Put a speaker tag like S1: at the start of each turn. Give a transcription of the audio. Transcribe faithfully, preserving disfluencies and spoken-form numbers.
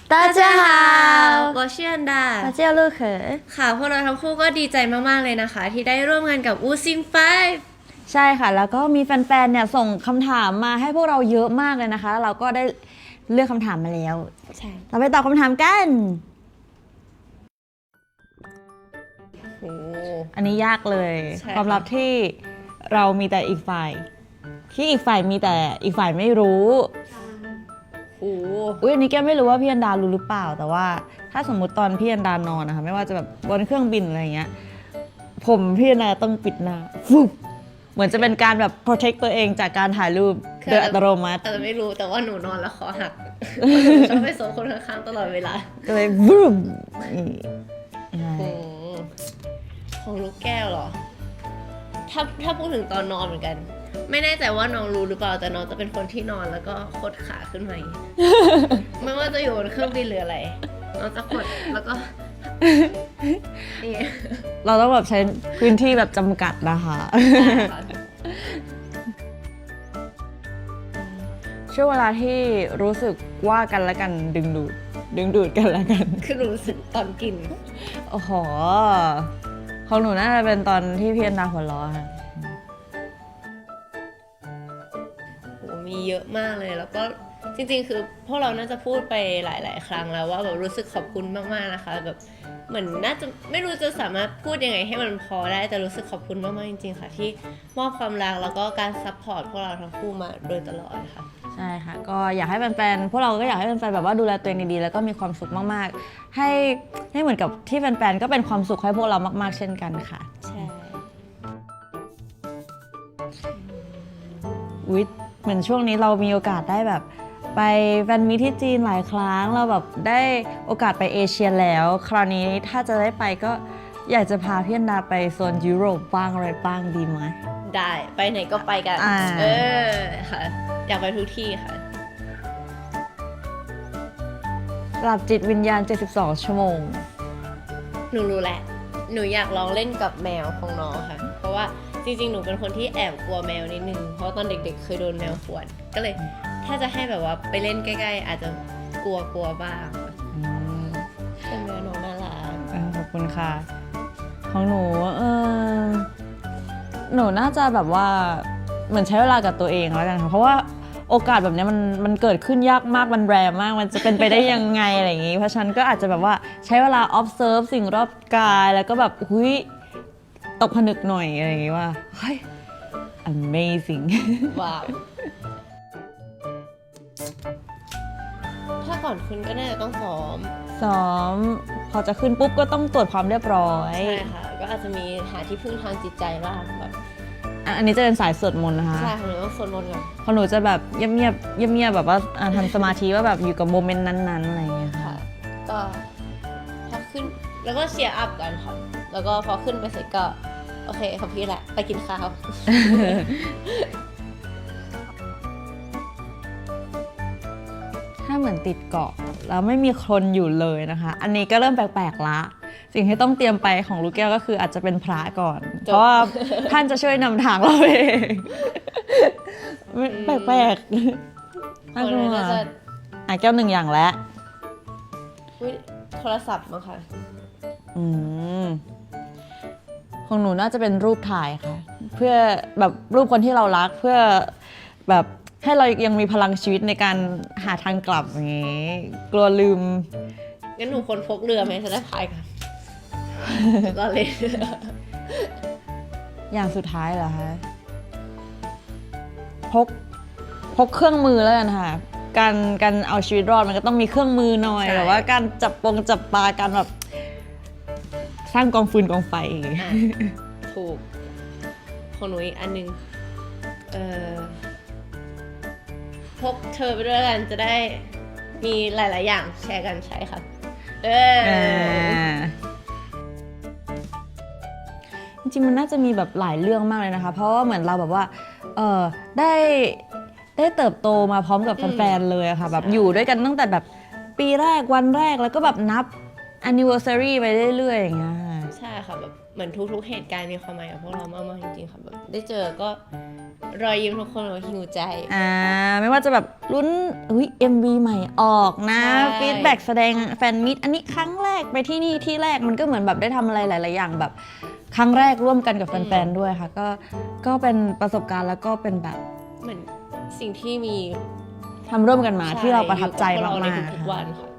S1: 大家好
S2: 我是อันดา
S1: 我叫陆可
S2: ค่ะพวกเราทั้งคู่ก็ดีใจมากๆเลยนะคะที่ได้ร่วมงานกับอูซิงไฟ
S1: ใช่ค่ะแล้วก็มีแฟนๆเนี่ยส่งคำถามมาให้พวกเราเยอะมากเลยนะคะแล้วเราก็ได้เลือกคำถามมาแล้ว
S2: ใช่
S1: เราไปตอบคำถามกัน
S2: โอ้
S1: อันนี้ยากเลย
S2: ใช่
S1: ความลับที่เรามีแต่อีกฝ่ายที่อีกฝ่ายมีแต่อีกฝ่ายไม่รู้
S2: โอ้
S1: อุ้ยอันนี้แกไม่รู้ว่าพี่อันดารู้หรือเปล่าแต่ว่าถ้าสมมุติตอนพี่อันดานอนนะคะไม่ว่าจะแบบบนเครื่องบินอะไรเงี้ยผมพี่อันดาต้องปิดหน้าฟุบเหมือนจะเป็นการแบบ protect ตัวเองจากการถ่ายรูปโดยอัตโนมัติ
S2: อาจจะไม่รู้แต่ว่าหนูนอนแล้วคอหักชอบไปโซนคนข้างๆตลอดเวลา
S1: ก็เลยวูบ
S2: โอ้ของลูกแก้วเหรอถ้าถ้าพูดถึงตอนนอนเหมือนกัน ไม่แน่ใจว่าน้องรู้หรือเปล่าแต่น้องจะเป็นคนที่นอนแล้วก็คดขาขึ้นมาอย่างนี้ ไม่ว่าจะอยู่บนเครื่องบินหรืออะไรน้องจะคดแล้วก็นี่
S1: เราต้องแบบใช้พื้นที่แบบจำกัดนะคะ ช่วงเวลาที่รู้สึกว่ากันและกันดึงดูดดึงดูดกันและกัน
S2: คือหนูรู้สึกตอนกิน
S1: โอ้โหของหนูน่าจะเป็นตอนที่พี่อันดาหัวเราะค่ะ
S2: โหมีเยอะมากเลยแล้วก็จริงๆคือพวกเราน่าจะพูดไปหลายๆครั้งแล้วว่าแบบรู้สึกขอบคุณมากๆนะคะแบบเหมือนน่าจะไม่รู้จะสามารถพูดยังไงให้มันพอได้แต่รู้สึกขอบคุณมากๆจริงๆค่ะที่มอบความรักแล้วก็การซัพพอร์ตพวกเราทั้งคู่มาโดยตลอดค่ะ
S1: ใช่ค่ะก็อยากให้แฟนๆพวกเราก็อยากให้แฟนๆแบบว่าดูแลตัวเองดีๆแล้วก็มีความสุขมากๆให้ให้เหมือนกับที่แฟนๆก็เป็นความสุขให้พวกเรามากๆเช่นกันค่ะ
S2: ใช่
S1: อุ๊ยเหมือนช่วงนี้เรามีโอกาสได้แบบไปแฟนมีตที่จีนหลายครั้งเราแบบได้โอกาสไปเอเชียแล้วคราวนี้ถ้าจะได้ไปก็อยากจะพาพี่อันดาไปโซนยุโรปบ้างอะไรบ้างดีไหม
S2: ได้ไปไหนก็ไปกันเออค่ะอยากไปทุกที่ค่ะ
S1: หลับจิตวิญญาณเจ็ดสิบสองชั่วโมง
S2: หนูรู้แหละหนูอยากลองเล่นกับแมวของน้องค่ะเพราะว่าจริงๆหนูเป็นคนที่แอบกลัวแมวนิดนึงเพราะตอนเด็กๆเคยโดนแมวข่วนก็เลยถ้าจะให้แบบว่าไปเล่นใกล้ๆอาจจะกลัวๆบ้างแต่แมวน้องน่ารัก
S1: ขอบคุณค่ะของหนูเออหนูน่าจะแบบว่าเหมือนใช้เวลากับตัวเองแล้วกันค่ะเพราะว่าโอกาสแบบนี้มันมันเกิดขึ้นยากมากมันแรร์มากมันจะเป็นไปได้ยังไงอะไรอย่างงี้เพราะฉะนั้นก็อาจจะแบบว่าใช้เวลา observe สิ่งรอบกายแล้วก็แบบหุยตกผนึกหน่อยอะไรอย่างงี้ว่าเฮ้ย amazing
S2: ว้าวถ้าก่อนขึ้นก็น่าจะต้องซ้อม
S1: ซ้อมพอจะขึ้นปุ๊บก็ต้องตรวจความเรียบร้อย
S2: ใช่ค่ะก็อาจจะมีหาที่พึ่งทางจิตใจบ้างแบบ
S1: อันนี้จะเป็นสายสวดมนต์นะคะ
S2: ใช่ของหนูต้องสวดมนต์ก่อน
S1: ของหนูจะแบบเงียบๆเงียบๆแบบว่าทำสมาธิว่าแบบอยู่กับโมเมนต์นั้นๆอะไรอย่างเงี้ยค่ะ
S2: ก็พอขึ้นแล้วก็เชียร์อัพกันค่ะแล้วก็พอขึ้นไปเสร็จก็โอเคครับพี่แหละไปกินข้าว
S1: ถ้าเหมือนติดเกาะแล้วไม่มีคนอยู่เลยนะคะอันนี้ก็เริ่มแปลกๆละสิ่งที่ต้องเตรียมไปของลูกแก้วก็คืออาจจะเป็นพระก่อนเพราะว่าท่านจะช่วยนำทางเราเองแปลกๆน่ากลัวอ่ะแก้วหนึ่งอย่างแล้ว
S2: โทรศัพท์มั้งค่ะ
S1: อืมของหนูน่าจะเป็นรูปถ่ายค่ะเพื่อแบบรูปคนที่เรารักเพื่อแบบให้เรายังมีพลังชีวิตในการหาทางกลับอย่างงี้กลัวลืม
S2: งั้นหนูคนพกเรือไหมจะได้พายกันก็เลย
S1: อย่างสุดท้ายเหรอคะพกพกเครื่องมือแล้วกันค่ะการการเอาชีวิตรอดมันก็ต้องมีเครื่องมือหน่อยแบบว่าการจับปงจับปลาการแบบสร้างกองฟืนกองไฟ
S2: ถูกของหนูอีกอันนึงเออพกเธอไปด้วยกันจะได้มีหลายๆอย่างแชร์กันใช้ค่ะเออ
S1: จริงๆมันน่าจะมีแบบหลายเรื่องมากเลยนะคะเพราะว่าเหมือนเราแบบว่าเออได้ได้เติบโตมาพร้อมกับแฟนๆเลยค่ะแบบอยู่ด้วยกันตั้งแต่แบบปีแรกวันแรกแล้วก็แบบนับ anniversary ไปเรื่อยๆอย่างเงี้ย
S2: ใช่ค่ะแบบเหมือนทุกๆเหตุการณ์มีความหมายกับพวกเรามากๆจริงๆค่ะแบบได้เจอก็รอยยิ้มทุกคนเราหิวใจ
S1: อ่าไม่ว่าจะแบบลุ้นอุ้ย เอ็ม วี ใหม่ออกนะฟีดแบ็กแสดงแฟนมิตอันนี้ครั้งแรกไปที่นี่ที่แรกมันก็เหมือนแบบได้ทำอะไรหลายๆอย่างแบบครั้งแรกร่วมกันกับแฟนๆด้วยค่ะก็ก็เป็นประสบการณ์แล้วก็เป็นแบบ
S2: เหมือนสิ่งที่มี
S1: ทำร่วมกันมาที่เราประทับใจมาก
S2: อยู่กับพวกเราใน
S1: ๆ
S2: ทุกๆวันค่ะ